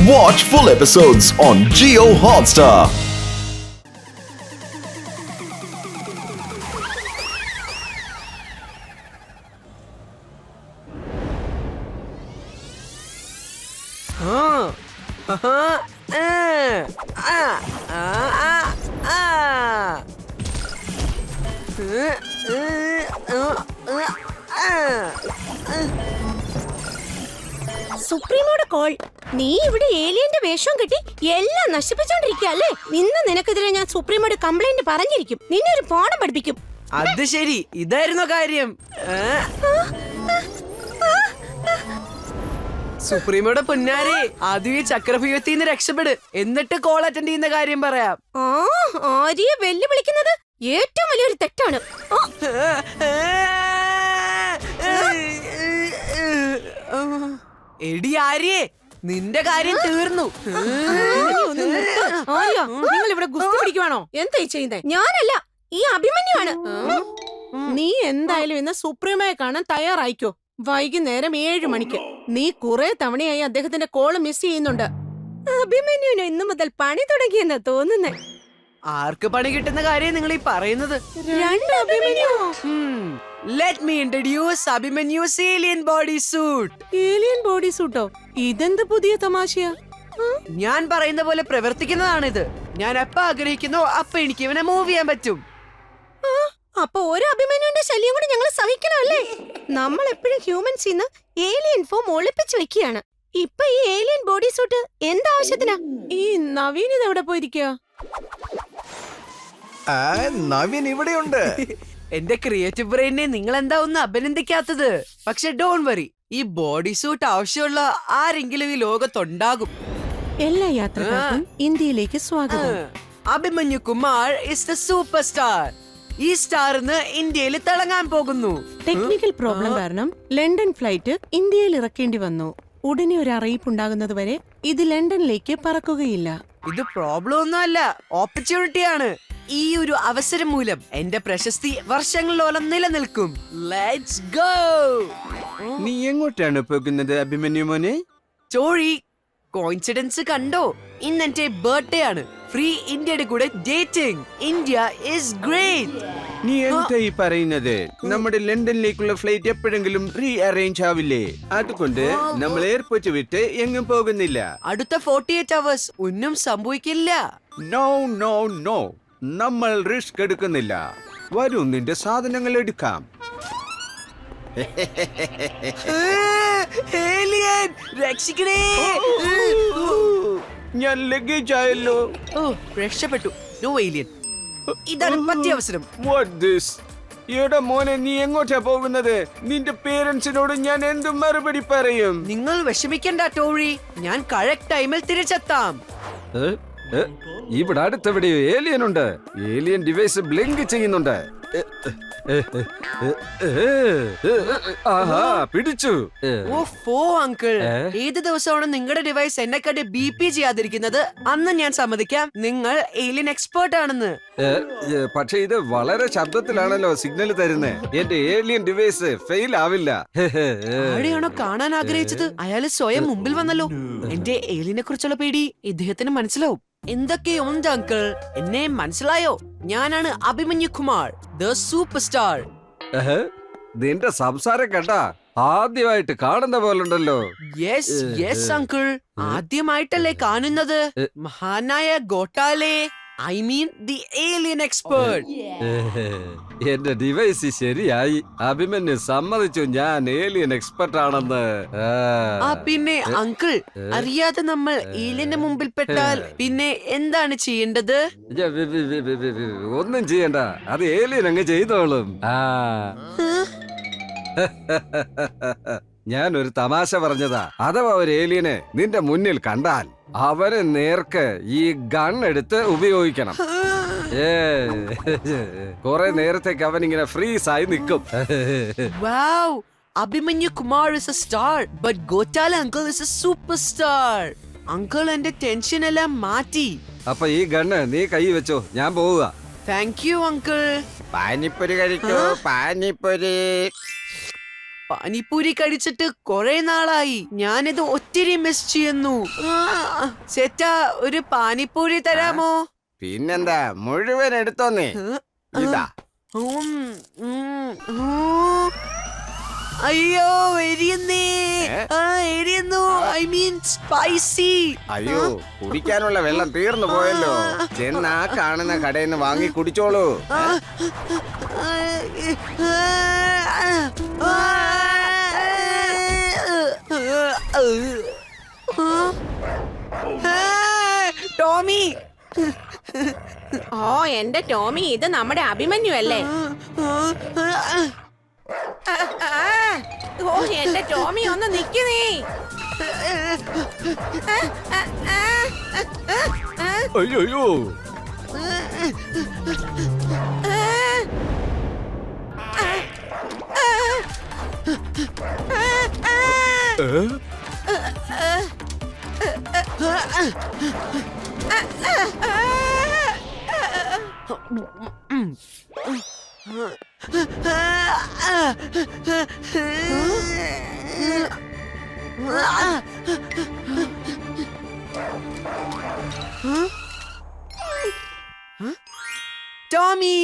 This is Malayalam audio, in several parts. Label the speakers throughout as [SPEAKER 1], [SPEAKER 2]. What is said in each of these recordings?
[SPEAKER 1] Watch full episodes on Jio Hotstar.
[SPEAKER 2] സുപ്രീമോടെ കോൾ. നീ ഇവിടെ ഏലിയന്റെ വേഷം കെട്ടി എല്ലാം നശിപ്പിച്ചോണ്ടിരിക്കല്ലേ. ഇന്ന് നിനക്കെതിരെ ഞാൻ സുപ്രീമോട് കംപ്ലൈന്റ് പറഞ്ഞിരിക്കും. നിന്നെ ഒരു പാഠം പഠിപ്പിക്കും.
[SPEAKER 3] അത് ശരി, ഇതായിരുന്നു കാര്യം. സുപ്രീമോടെ പൊന്നാരെ, ആദ്യം ഈ ചക്രഭ്യൂഹത്തിന്ന് രക്ഷപ്പെട്, എന്നിട്ട് കോൾ അറ്റൻഡ് ചെയ്യുന്ന കാര്യം പറയാം.
[SPEAKER 2] ആര്യയെ വെല്ലുവിളിക്കുന്നത് ഏറ്റവും വലിയൊരു തെറ്റാണ്.
[SPEAKER 3] എടി ആര്യേ, നിന്റെ കാര്യം തീർന്നു.
[SPEAKER 2] നിങ്ങൾ ഇവിടെ ഗുസ്തി പിടിക്കുവാണോ? എന്തായി ചെയ്യുന്നേ? ഞാനല്ല, ഈ അഭിമന്യുവാണ്. നീ എന്തായാലും ഇന്ന് സുപ്രീമയെ കാണാൻ തയ്യാറായിക്കോ. വൈകുന്നേരം 7 മണിക്ക്. നീ കുറെ തവണയായി അദ്ദേഹത്തിന്റെ കോള് മിസ് ചെയ്യുന്നുണ്ട്. അഭിമന്യുവിന് ഇന്നു മുതൽ പണി തുടങ്ങിയെന്നാ തോന്നുന്നേ.
[SPEAKER 3] ആർക്ക് പണി കിട്ടുന്ന കാര്യം നിങ്ങൾ ഈ പറയുന്നത്? Let me introduce Abhimanyu's alien body suit.
[SPEAKER 2] Alien body സൂട്ടോ? ഇതെന്ത് പുതിയ തമാശയാ?
[SPEAKER 3] ഞാൻ പറയുന്ന പോലെ പ്രവർത്തിക്കുന്നതാണിത്. ഞാൻ എപ്പ ആഗ്രഹിക്കുന്നോ അപ്പൊ എനിക്ക് ഇവനെ മൂവ് ചെയ്യാൻ പറ്റും.
[SPEAKER 2] അപ്പൊ ഒരു അഭിമന്യുവിന്റെ ശല്യം കൂടി ഞങ്ങൾ സഹിക്കണമല്ലേ? നമ്മൾ എപ്പോഴും ഹ്യൂമൻസിന്ന് ഏലിയൻ ഫോം ഒളിപ്പിച്ചു വെക്കുകയാണ്. ഇപ്പൊ ഈ ഏലിയൻ ബോഡി സൂട്ട് എന്താവശ്യത്തിനാ? ഈ നവീൻ ഇത് എവിടെ പോയിരിക്കുക?
[SPEAKER 1] നവീൻ ഇവിടെയുണ്ട്.
[SPEAKER 3] എന്റെ ക്രിയേറ്റീവ് ബ്രെയിനെ നിങ്ങൾ എന്താ ഒന്ന് അഭിനന്ദിക്കാത്തത്? പക്ഷെ ഡോണ്ട് വറി, ഈ ബോഡി സൂട്ട് ആവശ്യമുള്ള ആരെങ്കിലും ഈ ലോകത്തുണ്ടാകും.
[SPEAKER 2] എല്ലാ യാത്രക്കാർക്കും ഇന്ത്യയിലേക്ക് സ്വാഗതം.
[SPEAKER 3] Abhimanyu Kumar is the super star. ഈ സ്റ്റാറിന്ന് ഇന്ത്യയിൽ തിളങ്ങാൻ പോകുന്നു.
[SPEAKER 2] ടെക്നിക്കൽ പ്രോബ്ലം കാരണം ലണ്ടൻ ഫ്ലൈറ്റ് ഇന്ത്യയിൽ ഇറക്കേണ്ടി വന്നു. ഉടനെ ഒരു അറിയിപ്പ് ഉണ്ടാകുന്നത് വരെ ഇത് ലണ്ടനിലേക്ക് പറക്കുകയില്ല.
[SPEAKER 3] ഇത് പ്രോബ്ലം ഒന്നുമല്ല, ഓപ്പർച്യൂണിറ്റിയാണ്. ഈ ഒരു അവസരം മൂലം എന്റെ പ്രശസ്തി വർഷങ്ങളോളം നിലനിൽക്കും. Let's go.
[SPEAKER 4] നീ എങ്ങോട്ടാണ് പോകുന്നത് അഭിമന്യു മോനെ?
[SPEAKER 3] ചോഴി, കോയിൻസിഡൻസ് കണ്ടോ? ഇന്ന് എന്റെ ബർത്ത്ഡേ ആണ്. ഫ്രീ ഇന്ത്യയുടെ കൂടെ ഡേറ്റിംഗ്. India is great.
[SPEAKER 4] നീ എന്തായി പറയുന്നത്? നമ്മുടെ ലണ്ടനിലേക്കുള്ള ഫ്ലൈറ്റ് എപ്പോഴെങ്കിലും റീ അറേഞ്ച് ആവില്ലേ? അതുകൊണ്ട് നമ്മൾ എയർപോർട്ട് വിട്ട് എങ്ങും പോകുന്നില്ല.
[SPEAKER 3] അടുത്ത 48 hours ഒന്നും സംഭവിക്കില്ല.
[SPEAKER 4] നോ നോ നോ, നമ്മൾ റിസ്ക് എടുക്കുന്നില്ല. വരൂ, നിന്റെ സാധനങ്ങൾ എടുക്കാം.
[SPEAKER 3] ഏലിയൻ, രക്ഷിക്കണേ.
[SPEAKER 4] ഞാൻ ലഗേജ് ആയല്ലോ.
[SPEAKER 3] ഓ, രക്ഷപ്പെട്ടു. നോ ഏലിയൻ, ഇതാണ് പറ്റിയ അവസരം.
[SPEAKER 4] What this? എടാ മോനെ, നീ എങ്ങോട്ടാ പോകുന്നത്? നിന്റെ പേരൻസിനോട് ഞാൻ എന്ത് മറുപടി പറയും?
[SPEAKER 3] നിങ്ങൾ വിഷമിക്കണ്ട ടോഴി, ഞാൻ കറക്റ്റ് ടൈമിൽ തിരിച്ചെത്താം.
[SPEAKER 4] ഇവിടെ അടുത്തെവിടെയോ ഏലിയൻ ഉണ്ട്. ഏലിയൻ ഡിവൈസ് ബ്ലിങ്ക് ചെയ്യുന്നുണ്ട്. ആഹാ, പിടിച്ചു.
[SPEAKER 3] ഓ അങ്കിൾ, ഏത് ദിവസമാണ് നിങ്ങളുടെ ഡിവൈസ് എന്നെക്കാട്ട് BP ചെയ്യാതിരിക്കുന്നത്? അന്ന് ഞാൻ സമ്മതിക്കാം നിങ്ങൾ ഏലിയൻ എക്സ്പേർട്ട് ആണെന്ന്.
[SPEAKER 4] പക്ഷെ ഇത് വളരെ ശബ്ദത്തിലാണല്ലോ സിഗ്നൽ തരുന്നത്. എന്റെ ഏലിയൻ ഡിവൈസ് ഫെയിൽ ആവില്ല.
[SPEAKER 3] ആരെയാണോ കാണാൻ ആഗ്രഹിച്ചത് അയാള് സ്വയം മുമ്പിൽ വന്നല്ലോ. എന്റെ ഏലിയനെ കുറിച്ചുള്ള പേടി ഇദ്ദേഹത്തിന് മനസ്സിലാവും. എന്തൊക്കെയുണ്ട് അങ്കിൾ, എന്നെ മനസ്സിലായോ? ഞാനാണ് Abhimanyu Kumar, the super star.
[SPEAKER 4] നിന്റെ സംസാരം കേട്ടാ ആദ്യമായിട്ട് കാണുന്ന പോലുണ്ടല്ലോ.
[SPEAKER 3] യെസ് യെസ് അങ്കിൾ, ആദ്യമായിട്ടല്ലേ കാണുന്നത്? മഹാനായ ഗോട്ടാലെ, I mean the alien expert.
[SPEAKER 4] എന്റെ ഡിവൈസ് ശരിയായി. അഭിമന്യു സമ്മതിച്ചു ഞാൻ ഏലിയൻ എക്സ്പെർട്ട് ആണെന്ന്.
[SPEAKER 3] പിന്നെ അങ്കിൾ, അറിയാതെ നമ്മൾ ഏലിയന്റെ മുമ്പിൽ പെട്ടാൽ പിന്നെ എന്താണ് ചെയ്യേണ്ടത്?
[SPEAKER 4] ഒന്നും ചെയ്യണ്ട, അത് ഏലിയൻ അങ്ങ് ചെയ്തോളും. ഞാൻ ഒരു തമാശ പറഞ്ഞതാ. അഥവാ ഒരു ഏലിയനെ നിന്റെ മുന്നിൽ കണ്ടാൽ അവരെ നേർക്ക് ഈ ഗൺ എടുത്ത് ഉപയോഗിക്കണം. കുറെ നേരത്തേക്ക് അവൻ ഇങ്ങനെ ഫ്രീസ് ആയി നിൽക്കും.
[SPEAKER 3] Wow, Abhimanyu Kumar is a star, but Gotala uncle is a superstar. Uncle എന്റെ ടെൻഷൻ എല്ലാം മാറ്റി.
[SPEAKER 4] അപ്പൊ ഈ ഗണ്ണ് നീ കൈ വെച്ചോ, ഞാൻ പോവുക.
[SPEAKER 3] Thank you uncle.
[SPEAKER 4] പാനിപ്പൊരി കഴിക്കൂ, പാനിപ്പൊരി.
[SPEAKER 3] പാനിപ്പൂരി കഴിച്ചിട്ട് കുറെ നാളായി. ഞാനിത് ഒത്തിരി മിസ് ചെയ്യുന്നു. ചേട്ടാ, ഒരു പാനിപ്പൂരി തരാമോ?
[SPEAKER 4] പിന്നെന്താ, മുഴുവൻ എടുത്തോന്നേ. ഇതാ.
[SPEAKER 3] ഉം, ഉം, ഉം. അയ്യോ, എരിയുന്നേ. എരിയുന്നു. I mean spicy.
[SPEAKER 4] അയ്യോ, കുടിക്കാനുള്ള വെള്ളം തീർന്നു പോയല്ലോ. ചെന്ന് ആ കാണുന്ന കടയിൽ നിന്ന് വാങ്ങി കുടിച്ചോളൂ.
[SPEAKER 3] ടോമി.
[SPEAKER 2] ഓ എന്റെ ടോമി, ഇത് നമ്മുടെ അഭിമന്യു അല്ലേ? ഓ എന്റെ ടോമി, ഒന്ന് നിക്കുന്നേ.
[SPEAKER 4] അയ്യോ,
[SPEAKER 3] ടോമി.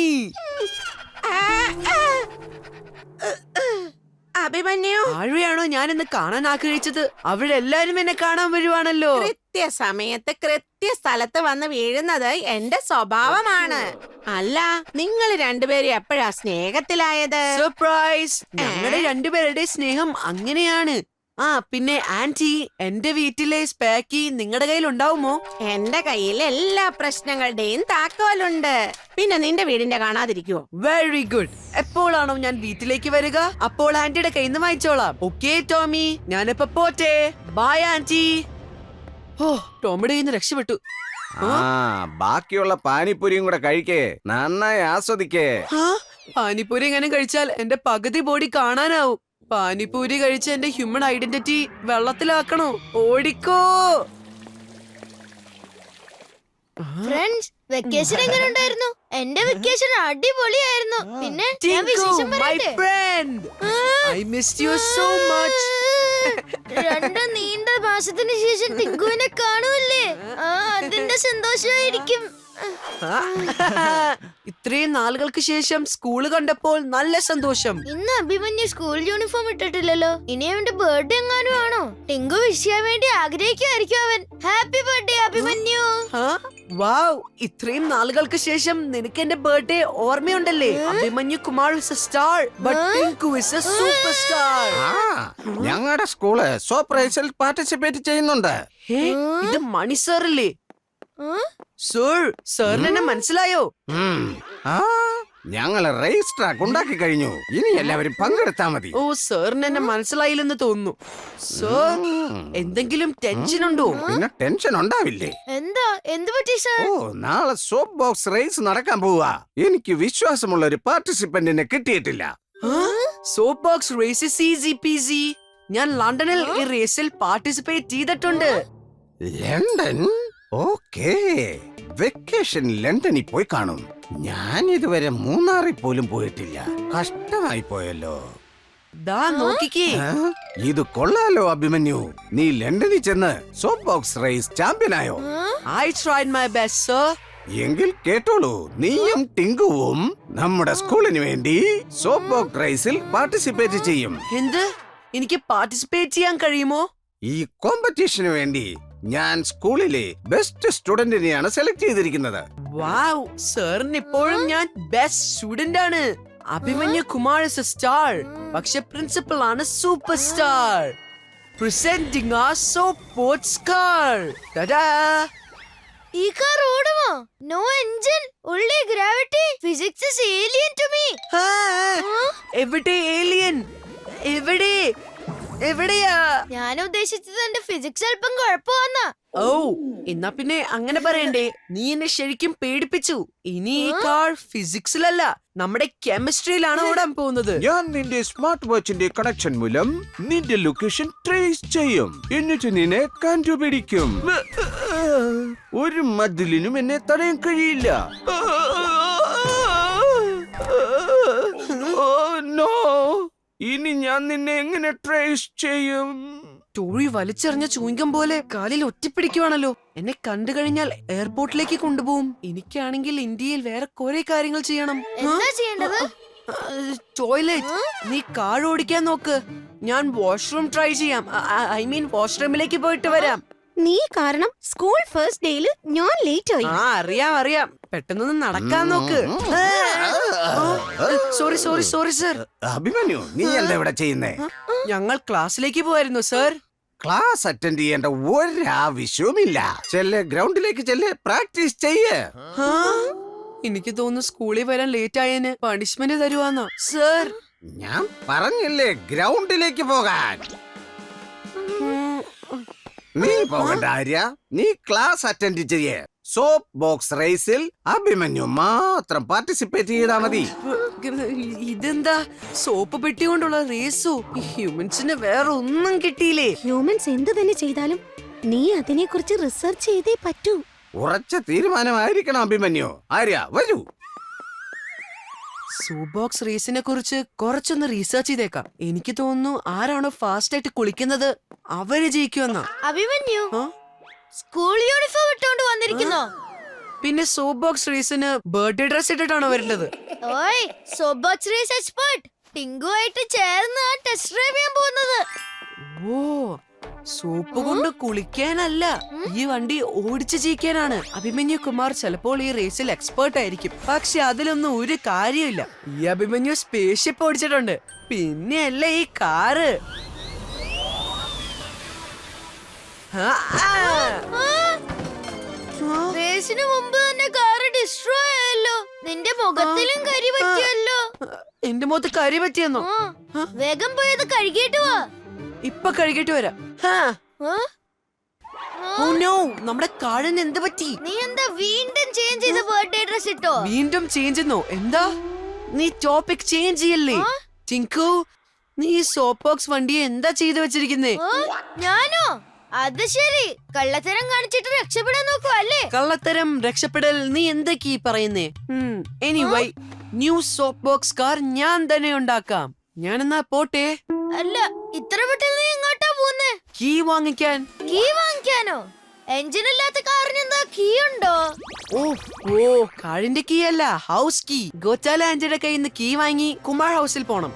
[SPEAKER 2] അഭിമന്യു,
[SPEAKER 3] ആഴെയാണോ ഞാനിന്ന് കാണാൻ ആഗ്രഹിച്ചത്? അവിടെ എല്ലാരും എന്നെ കാണാൻ വരുവാണല്ലോ.
[SPEAKER 2] കൃത്യസമയത്ത് കൃത്യസ്ഥലത്ത് വന്ന് വീഴുന്നത് എന്റെ സ്വഭാവമാണ്. അല്ല, നിങ്ങൾ രണ്ടുപേരും എപ്പോഴാ സ്നേഹത്തിലായത്?
[SPEAKER 3] സർപ്രൈസ്. ഞങ്ങളുടെ രണ്ടുപേരുടെ സ്നേഹം അങ്ങനെയാണ്. ആ പിന്നെ ആന്റി, എന്റെ വീട്ടിലെ സ്പാക്കി നിങ്ങളുടെ കയ്യിൽ ഉണ്ടാവുമോ?
[SPEAKER 2] എന്റെ കയ്യിൽ എല്ലാ പ്രശ്നങ്ങളുടെയും താക്കോലുണ്ട്. പിന്നെ നിന്റെ വീടിന്റെ കാണാതിരിക്കുവോ?
[SPEAKER 3] Very good. എപ്പോഴാണോ ഞാൻ വീട്ടിലേക്ക് വരിക, അപ്പോൾ ആന്റിയുടെ കയ്യിൽ നിന്ന് വായിച്ചോളാം. ഓക്കേ ടോമി, ഞാനിപ്പോ പോട്ടെ. By anti. ഓ, ടോമിയുടെ കയ്യിൽ നിന്ന് രക്ഷപ്പെട്ടു.
[SPEAKER 4] ബാക്കിയുള്ള പാനിപ്പൂരിയും കൂടെ കഴിക്കേ, നന്നായി ആസ്വദിക്കേ.
[SPEAKER 3] പാനിപ്പൂരി എങ്ങനെ കഴിച്ചാൽ എന്റെ പകുതി ബോഡി കാണാനാവും. പാനിപ്പൂരി കഴിച്ച് എന്റെ ഹ്യൂമൻ ഐഡന്റിറ്റി വെള്ളത്തിലാക്കണോ? ഓടിക്കോ.
[SPEAKER 5] ഫ്രണ്ട്സ്, വെക്കേഷൻ എങ്ങനെ ഉണ്ടായിരുന്നു? എന്റെ വെക്കേഷൻ അടിപൊളിയായിരുന്നു. പിന്നെ ഞാൻ വിശേഷം പറയട്ടെ?
[SPEAKER 3] I missed you so much.
[SPEAKER 5] 2 നീണ്ട മാസത്തിന് ശേഷം ടിങ്കുവിനെ കാണുമല്ലേ? അതിന്റെ സന്തോഷമായിരിക്കും.
[SPEAKER 3] ഇത്രയും നാളുകൾക്ക് ശേഷം സ്കൂള് കണ്ടപ്പോൾ നല്ല സന്തോഷം.
[SPEAKER 5] ഇന്ന് അഭിമന്യു സ്കൂൾ യൂണിഫോം ഇട്ടിട്ടില്ലല്ലോ. ഇനി അവന്റെ ബർത്ത്ഡേ എങ്ങാനും ആണോ? ടിങ്കു വിഷ് ചെയ്യാൻ വേണ്ടി ആഗ്രഹിക്കുമായിരിക്കും അവൻ. Happy birthday Abhimanyu.
[SPEAKER 3] വാവ്, ഇത്രയും നാളുകൾക്ക് ശേഷം നിനക്ക് എന്റെ ബർത്ത്ഡേ ഓർമ്മയുണ്ടല്ലേ? Abhimanyu Kumar is a star, but Tinku is a super star.
[SPEAKER 4] ഞങ്ങളുടെ സ്കൂള് സർപ്രൈസിൽ പാർട്ടിസിപ്പേറ്റ് ചെയ്യുന്നുണ്ട്.
[SPEAKER 3] ഇത് മണി സാറല്ലേ? സർ, സാറിന് എന്നെ മനസ്സിലായോ?
[SPEAKER 4] ഞങ്ങൾ റേസ് ട്രാക്ക് ഉണ്ടാക്കി കഴിഞ്ഞു. ഇനി എല്ലാവരും പങ്കെടുത്താ മതി.
[SPEAKER 3] ഓ, സാറിന് എന്നെ മനസ്സിലായില്ലെന്ന് തോന്നുന്നു. സർ, എന്തെങ്കിലും ടെൻഷൻ ഉണ്ടോ?
[SPEAKER 4] പിന്നെ ടെൻഷൻ ഉണ്ടാവില്ലേ?
[SPEAKER 5] എന്താ, എന്ത് പറ്റി സാർ?
[SPEAKER 4] ഓ, നാളെ സോപ്പ് ബോക്സ് റേസ് നടക്കാൻ പോവാ. എനിക്ക് വിശ്വാസമുള്ള ഒരു പാർട്ടിസിപ്പന്റിനെ കിട്ടിയിട്ടില്ല.
[SPEAKER 3] Soap box race is easy peasy. ഞാൻ ലണ്ടനിൽ ഈ റേസിൽ പാർട്ടിസിപ്പേറ്റ് ചെയ്തിട്ടുണ്ട്.
[SPEAKER 4] ലണ്ടൻ? ഓക്കേ, വെക്കേഷൻ ലണ്ടനിൽ പോയി കാണും. ഞാൻ ഇതുവരെ മൂന്നാറിൽ പോലും പോയിട്ടില്ല. കഷ്ടമായി പോയല്ലോ.
[SPEAKER 3] ദാ നോക്കിക്കേ.
[SPEAKER 4] ഇത് കൊള്ളാലോ അഭിമന്യു. നീ ലണ്ടനിൽ ചെന്ന് സോപ്പ് ബോക്സ് റേസ് ചാമ്പ്യനായോ?
[SPEAKER 3] I tried my best, sir.
[SPEAKER 4] എങ്കിൽ കേട്ടോളൂ, നീയും ടിങ്കുവും നമ്മുടെ സ്കൂളിന് വേണ്ടി സോപ്പ് ബോക്സ് റേസിൽ പാർട്ടിസിപ്പേറ്റ് ചെയ്യും.
[SPEAKER 3] എന്ത്? എനിക്ക് പാർട്ടിസിപ്പേറ്റ് ചെയ്യാൻ കഴിയുമോ?
[SPEAKER 4] ഈ കോമ്പറ്റീഷന് വേണ്ടി ഞാൻ സ്കൂളിലെ ബെസ്റ്റ് സ്റ്റുഡന്റിനെയാണ് സെലക്ട് ചെയ്തിരിക്കുന്നത്.
[SPEAKER 3] വാവ്, സാറിന് ഇപ്പോഴും ഞാൻ ബെസ്റ്റ് സ്റ്റുഡന്റ് ആണ്. Abhimanyu Kumar is a star, പക്ഷെ പ്രിൻസിപ്പൽ ആണ് super star. Presenting our soap boats car. Ta-da!
[SPEAKER 5] ഈ കാർ ഓടുമോ? No engine, only gravity. Physics is alien to me.
[SPEAKER 3] എവിടെ ഏലിയൻ? എവിടെ? എവിടെയാ?
[SPEAKER 5] ഞാൻ ഉദ്ദേശിച്ചത് എന്റെ ഫിസിക്സ് അല്പം കുഴപ്പമാന്നാ.
[SPEAKER 3] ഓ, എന്നാ പിന്നെ അങ്ങനെ പറയണ്ടേ. നീ എന്നെ ശരിക്കും പേടിപ്പിച്ചു. ഇനി ഈ കാർ ഫിസിക്സിലല്ല, നമ്മുടെ കെമിസ്ട്രിയിലാണ് ഓടാൻ പോകുന്നത്.
[SPEAKER 4] ഞാൻ നിന്റെ സ്മാർട്ട് വാച്ചിന്റെ കണക്ഷൻ മൂലം നിന്റെ ലൊക്കേഷൻ ട്രേസ് ചെയ്യും. എന്നിട്ട് നിന്നെ കണ്ടുപിടിക്കും. ഒരു മതിലിനും എന്നെ തടയാൻ കഴിയില്ല. Oh no. ഇനി ഞാൻ നിന്നെ എങ്ങനെ ട്രേസ് ചെയ്യും?
[SPEAKER 3] ടോഴി വലിച്ചെറിഞ്ഞ ചൂങ്കം പോലെ കാലിൽ ഒറ്റപ്പിടിക്കുവാണല്ലോ. എന്നെ കണ്ടു കഴിഞ്ഞാൽ എയർപോർട്ടിലേക്ക് കൊണ്ടുപോകും. എനിക്കാണെങ്കിൽ ഇന്ത്യയിൽ വേറെ കുറെ കാര്യങ്ങൾ ചെയ്യണം.
[SPEAKER 5] എന്താ ചെയ്യേണ്ടത്?
[SPEAKER 3] ടോയ്ലറ്റ്. നീ കാർ ഓടിക്കാൻ നോക്ക്, ഞാൻ വാഷ്റൂം ട്രൈ ചെയ്യാം. ഐ മീൻ വാഷ്റൂമിലേക്ക് പോയിട്ട് വരാം.
[SPEAKER 2] നീ കാരണം സ്കൂൾ ഫസ്റ്റ് ഡേയിൽ ഞാൻ ലേറ്റ് ആയി.
[SPEAKER 3] അറിയാം. പെട്ടെന്ന് നടക്കാൻ നോക്ക്. Sorry sir.
[SPEAKER 4] അഭിമന്യു, നീ എന്താ ഇവിടെ ചെയ്യുന്നേ?
[SPEAKER 3] ഞങ്ങൾ ക്ലാസ്സിലേക്ക് പോവായിരുന്നു സർ.
[SPEAKER 4] ക്ലാസ് അറ്റൻഡ് ചെയ്യേണ്ട ഒരാവശ്യവുമില്ല. ഗ്രൗണ്ടിലേക്ക് പ്രാക്ടീസ് ചെയ്യ്.
[SPEAKER 3] എനിക്ക് തോന്നുന്നു സ്കൂളിൽ വരാൻ ലേറ്റ് ആയതിന് പണിഷ്മെന്റ് തരുവാന്നോ സർ?
[SPEAKER 4] ഞാൻ പറഞ്ഞില്ലേ ഗ്രൗണ്ടിലേക്ക് പോകാൻ. നീ പോകണ്ട ആര്യ, നീ ക്ലാസ് അറ്റൻഡ് ചെയ്യേ. സോപ്പ് ബോക്സ് റേസിൽ അഭിമന്യു മാത്രം പാർട്ടിസിപ്പേറ്റ് ചെയ്താ മതി.
[SPEAKER 3] ഇതെന്താ സോപ്പ് പെട്ടി കൊണ്ടുള്ള റേസോ? ഹ്യൂമൻസിന് വേറെ ഒന്നും കിട്ടിയില്ലേ?
[SPEAKER 2] ഹ്യൂമൻസ് എന്ത് തന്നെ ചെയ്താലും നീ അതിനെ കുറിച്ച് റിസർച്ച് ചെയ്തേ പറ്റൂ.
[SPEAKER 4] ഉറച്ച തീരുമാനമായിരിക്കണം അഭിമന്യു. ആര്യ വരൂ.
[SPEAKER 3] സോപ്പ് ബോക്സ് റേസിനെ കുറിച്ച് കുറച്ചൊന്ന് റീസർച്ച് ചെയ്തേക്കാം. എനിക്ക് തോന്നുന്നു ആരാണോ ഫാസ്റ്റ് ആയിട്ട് കുളിക്കുന്നത് അവര് ജയിക്കുമെന്നാ.
[SPEAKER 5] അഭിമന്യു സ്കൂൾ യൂണിഫോം ഇട്ടുകൊണ്ട് വന്നിരിക്കുന്നോ?
[SPEAKER 3] പിന്നെ സോപ്പ് ബോക്സ് റേസിന് ബർത്ത്ഡേ ഡ്രസ് ഇട്ടിട്ടാണോ വരേണ്ടത്?
[SPEAKER 5] ഓയ്, സോപ്പ് ബോക്സ് റേസ് എക്സ്പെർട്ട് ടിങ്കുമായിട്ട് ചേർന്ന് ടെസ്റ്റ് ഡ്രൈവ് ചെയ്യാൻ പോകുന്നത്.
[SPEAKER 3] ഓ, സോപ്പ് കൊണ്ട് കുളിക്കാനല്ല, ഈ വണ്ടി ഓടിച്ചു ജയിക്കാനാണ്. അഭിമന്യു കുമാർ ചിലപ്പോൾ ഈ റേസിൽ എക്സ്പേർട്ട് ആയിരിക്കും, പക്ഷെ അതിലൊന്നും ഒരു കാര്യമില്ല. ഈ അഭിമന്യു സ്പേസ് ഷിപ്പ് ഓടിച്ചിട്ടുണ്ട്, പിന്നെയല്ല ഈ കാറ്.
[SPEAKER 5] റേസിന് മുമ്പ് തന്നെ കാറ് ഡിസ്ട്രോയ് ആയല്ലോ. നിന്റെ മുഖത്തിലും കരി പറ്റിയല്ലോ.
[SPEAKER 3] എന്റെ മുഖത്ത് കരി പറ്റിയെന്നോ?
[SPEAKER 5] വേഗം പോയത് കഴുകിയിട്ട് വാ.
[SPEAKER 3] ഇപ്പൊ കഴുകിട്ട് വരാം. ഓ നോ, നമ്മുടെ കാറിന് എന്ത് പറ്റി?
[SPEAKER 5] നീ എന്താ വീണ്ടും ചേഞ്ച് ചെയ്ത ബർത്ത്ഡേ ഡ്രസ് ഇട്ടോ?
[SPEAKER 3] വീണ്ടും ചേഞ്ച് എന്നോ? എന്താ നീ ടോപ്പിക് ചേഞ്ച് ചെയ്യല്ലേ? ടിങ്കു, നീ സോപ്പ് ബോക്സ് വണ്ടിയെ എന്താ ചെയ്തു വെച്ചിരിക്കുന്നേ?
[SPEAKER 5] ഞാനോ? അത് ശരി, കള്ളത്തരം കാണിച്ചിട്ട് രക്ഷപ്പെടാൻ നോക്കുക അല്ലേ?
[SPEAKER 3] കള്ളത്തരം രക്ഷപ്പെടൽ നീ എന്തൊക്കെയാ പറയുന്നേ? Anyway, new soap box car ഞാൻ തന്നെ ഉണ്ടാക്കാം. ഞാനെന്നാ പോട്ടെ.
[SPEAKER 5] അല്ല, ഇത്ര പെട്ടെന്ന് നീ എങ്ങോട്ടാ പോകുന്നേ?
[SPEAKER 3] കീ വാങ്ങിക്കാൻ.
[SPEAKER 5] കീ വാങ്ങിക്കാനോ? എഞ്ചിൻ ഇല്ലാത്ത കാറിന് എന്താ കീ ഉണ്ടോ?
[SPEAKER 3] ഓ, കാറിന്റെ കീ അല്ല, ഹൗസ് കീ. ഗോച്ചാല ആന്റിയുടെ കയ്യിൽ നിന്ന് കീ വാങ്ങി കുമാർ ഹൗസിൽ പോണം.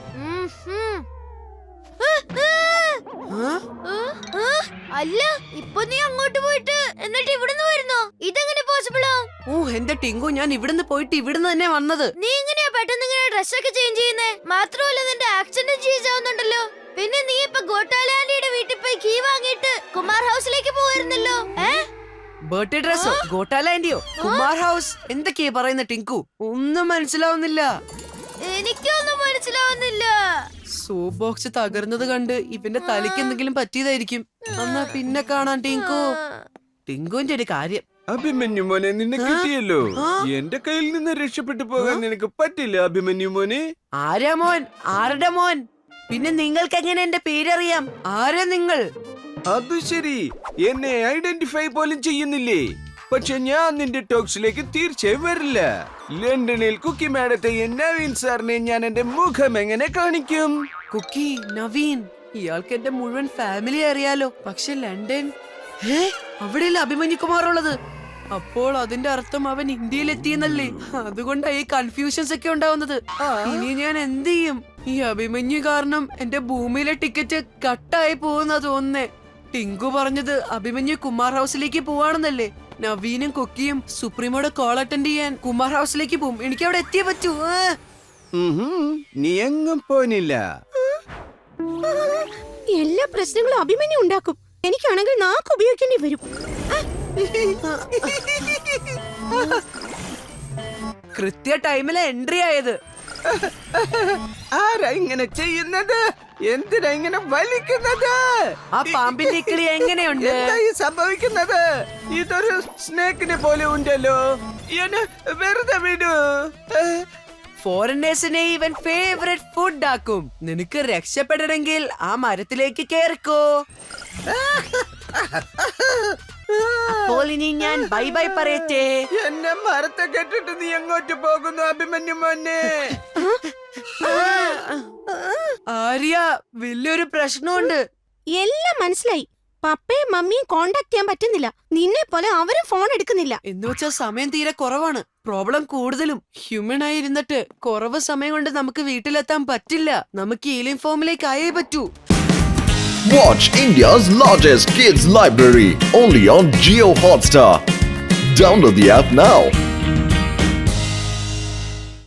[SPEAKER 5] അല്ല, ഇപ്പൊ നീ അങ്ങോട്ട് പോയിട്ട് എന്നിട്ട് ഇവിടുന്ന് വരുന്നോ? ഇതെങ്ങനെ പോസിബിളാ?
[SPEAKER 3] എന്റെ ടിങ്കു, ഞാൻ ഇവിടുന്ന് പോയിട്ട് ഇവിടുന്ന് തന്നെ വന്നത്.
[SPEAKER 5] നീ എങ്ങനെയാ പെട്ടെന്ന് ഇങ്ങനെ ഡ്രസ്സൊക്കെ ചേഞ്ച് ചെയ്യുന്നേ? മാത്രമല്ല നിന്റെ ആക്സിഡന്റ് ചേഞ്ച് ആവുന്നുണ്ടല്ലോ. പിന്നെ നീ ഇപ്പൊ ഗോട്ടാലാൻഡിയുടെ വീട്ടിൽ പോയി കീ വാങ്ങിയിട്ട് കുമാർ ഹൗസിലേക്ക് പോയിരുന്നല്ലോ.
[SPEAKER 3] ബർത്ത്ഡേ ഡ്രസ്സോ ഗോട്ടാലാൻഡിയോ കുമാർ ഹൗസ് എന്തൊക്കെയാ പറയുന്ന ടിങ്കു? ഒന്നും മനസ്സിലാവുന്നില്ല.
[SPEAKER 5] എനിക്കൊന്നും മനസ്സിലാവുന്നില്ല.
[SPEAKER 3] സോപ്പ് ബോക്സ് തകർന്നത് കണ്ട് ഇവന്റെ തലയ്ക്ക് എന്തെങ്കിലും പറ്റിയതായിരിക്കും. എന്നാ പിന്നെ കാണാൻ ടിങ്കു. ടിങ്കുവിന്റെ ഒരു കാര്യം.
[SPEAKER 4] അഭിമന്യു മോനെ, നിന്നെ കിട്ടിയല്ലോ. എന്റെ കയ്യിൽ നിന്ന് രക്ഷപ്പെട്ടു പോകാൻ നിനക്ക് പറ്റില്ല അഭിമന്യു മോനെ.
[SPEAKER 3] ആരാ മോൻ? ആരുടെ മോൻ? പിന്നെ നിങ്ങൾക്ക് എങ്ങനെ എന്റെ പേരറിയാം? ആരാ നിങ്ങൾ?
[SPEAKER 4] അത് ശരി, എന്നെ ഐഡന്റിഫൈ പോലും ചെയ്യുന്നില്ലേ? പക്ഷെ ഞാൻ നിന്റെ ടോക്സിലേക്ക് തീർച്ചയായും വരില്ല. ലണ്ടനിൽ കുക്കി മാഡത്തെ നവീൻ സാറിനെ ഞാൻ എന്റെ മുഖം എങ്ങനെ കാണിക്കും?
[SPEAKER 3] കുക്കി, നവീൻ, ഇയാൾക്ക് എന്റെ മുഴുവൻ ഫാമിലി അറിയാലോ. പക്ഷെ ലണ്ടൻ, അവിടെയല്ല അഭിമന്യു കുമാർ ഉള്ളത്. അപ്പോൾ അതിന്റെ അർത്ഥം അവൻ ഇന്ത്യയിൽ എത്തിയെന്നല്ലേ? അതുകൊണ്ടാ ഈ കൺഫ്യൂഷൻസ് ഒക്കെ ഉണ്ടാവുന്നത്. ഇനി ഞാൻ എന്ത് ചെയ്യും? ഈ അഭിമന്യു കാരണം എന്റെ ഭൂമിയിലെ ടിക്കറ്റ് കട്ടായി പോകുന്ന തോന്നുന്നേ. ടിങ്കു പറഞ്ഞത് അഭിമന്യു കുമാർ ഹൗസിലേക്ക് പോവാണെന്നല്ലേ? നവീനും കുക്കിയും സുപ്രീമോടെ കോൾ അറ്റൻഡ് ചെയ്യാൻ കുമാർ ഹൗസിലേക്ക് പോകും. എനിക്ക് അവിടെ എത്തിയേ പറ്റൂ.
[SPEAKER 4] നീ എങ്ങും പോനില്ല.
[SPEAKER 2] എല്ലാ പ്രശ്നങ്ങളും അഭിമന്യു ഉണ്ടാക്കും. എനിക്കാണെങ്കിൽ നാക്ക് ഉപയോഗിക്കേണ്ടി വരും.
[SPEAKER 3] കൃത്യ ടൈമിലെ എൻട്രി ആയത്.
[SPEAKER 4] ആരാ ഇങ്ങനെ ചെയ്യുന്നത്? എന്തിനാ ഇങ്ങനെ വലിക്കുന്നത്?
[SPEAKER 3] ആ പാമ്പിന്റെ കിളി എങ്ങനെയുണ്ട്?
[SPEAKER 4] എന്താ ഈ സംഭവിക്കുന്നത്? ഇതൊരു സ്നേക്കിനെ പോലെ ഉണ്ടല്ലോ. എന്നെ വെറുതെ വിടൂ.
[SPEAKER 3] ഫോറിനേഴ്സിനെ ഇവൻ ഫേവറേറ്റ് ഫുഡ് ആക്കും. നിനക്ക് രക്ഷപ്പെടണമെങ്കിൽ ആ മരത്തിലേക്ക് കേറിക്കോ. അപ്പോൾ ഇനി ഞാൻ ബൈ ബൈ പറയട്ടെ.
[SPEAKER 4] എന്നെ മരത്തെ കെട്ടിട്ട് നീ എങ്ങോട്ട് പോകുന്നു അഭിമന്യു മോനെ?
[SPEAKER 3] ആര്യ വലിയൊരു പ്രശ്നമുണ്ട്.
[SPEAKER 2] എല്ലാം മനസ്സിലായി. പപ്പയും മമ്മിയും കോണ്ടാക്ട് ചെയ്യാൻ പറ്റുന്നില്ല. നിന്നെ പോലെ അവരും ഫോൺ എടുക്കുന്നില്ല.
[SPEAKER 3] എന്ന് വെച്ചാൽ സമയം തീരെ കുറവാണ്. പ്രോബ്ലം കൂടുതലും. ഹ്യൂമൻ ആയി ഇരുന്നിട്ട് കുറവ് സമയം കൊണ്ട് നമുക്ക് വീട്ടിലെത്താൻ പറ്റില്ല. നമുക്ക് ഏലിയൻ ഫോമിലേക്ക് ആയേ പറ്റൂ.
[SPEAKER 1] Watch India's largest kids library only on Jio Hotstar. Download the app now.